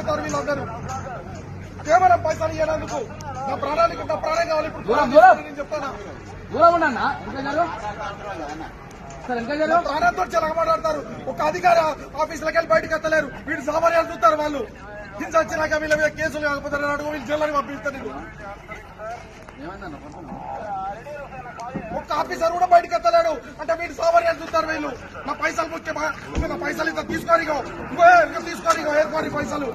తిరుగుతారు వీళ్ళందరూ. కేవలం పైసలు ఇవ్వడానికి నా ప్రాణానికి నా ప్రాణం కావాలి. ఇప్పుడు నేను చెప్తానా ప్రాణంతో చాలా మాట్లాడతారు. ఒక అధికారి ఆఫీసులకు వెళ్ళి బయటకు ఎత్తలేరు. వీళ్ళు సామాన్యాలు చూస్తారు. వాళ్ళు హింస వచ్చినాక వీళ్ళ మీద కేసులు కాకపోతే అడుగు వీళ్ళు జైల్లోకి పంపిస్తారు. ఒక్క ఆఫీసర్ కూడా బయటకు ఎత్తలేడు అంటే వీళ్ళు సామాన్యాలు చూస్తారు. వీళ్ళు నా పైసలు ముఖ్యమా? నా పైసలు ఇంత తీసుకోనిగో ఇంకో తీసుకోనిగో ఏర్కోని పైసలు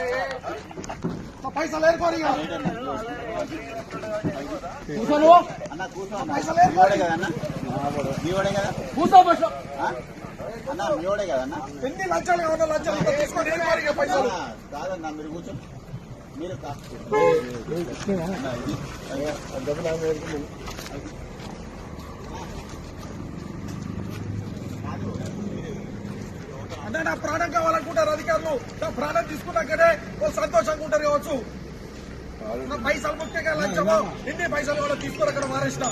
నా పైసలు ఏర్కోనిగో పైసలు ఏర్కోని ఎన్ని లంచాలు కావాలా? లంచాలు తీసుకొని ఏర్కోనిగో పైసలు మీరు కూర్చో. మీరు అంటే నా ప్రాణం కావాలనుకుంటారు అధికారులు. నా ప్రాణం తీసుకున్నాకనే వాళ్ళు సంతోషంగా ఉంటారు కావచ్చు. నా పైసలు ముఖ్యంగా లంచమో ఎన్ని పైసలు కూడా తీసుకొని అక్కడ మారేసిన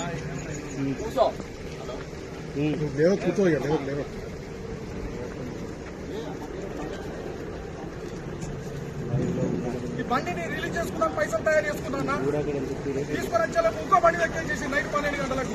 ఈ బండిని రిలీజ్ చేసుకున్నాను. పైసలు తయారు చేసుకున్నా తీసుకొని వచ్చేలా ఇంకో బండి వ్యక్తం చేసి నైట్ 12 గంటలకు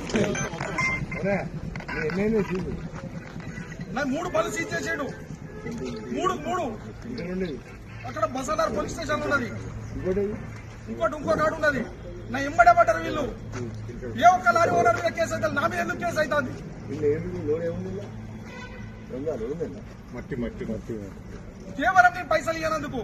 నాకు 3 బళ్ళు సీజ్ చేసాడు. 3 అక్కడ బసాదార్ పోలీస్ స్టేషన్ ఉన్నది. ఇంకో కాడు ఉన్నది. నా ఎంబడే పడ్డారు వీళ్ళు. ఏ ఒక్క లారీ ఓనర్ మీద కేసు అయితే నా మీద ఎందుకు కేసు అవుతుంది? కేవలం నేను పైసలు ఇవ్వనందుకు.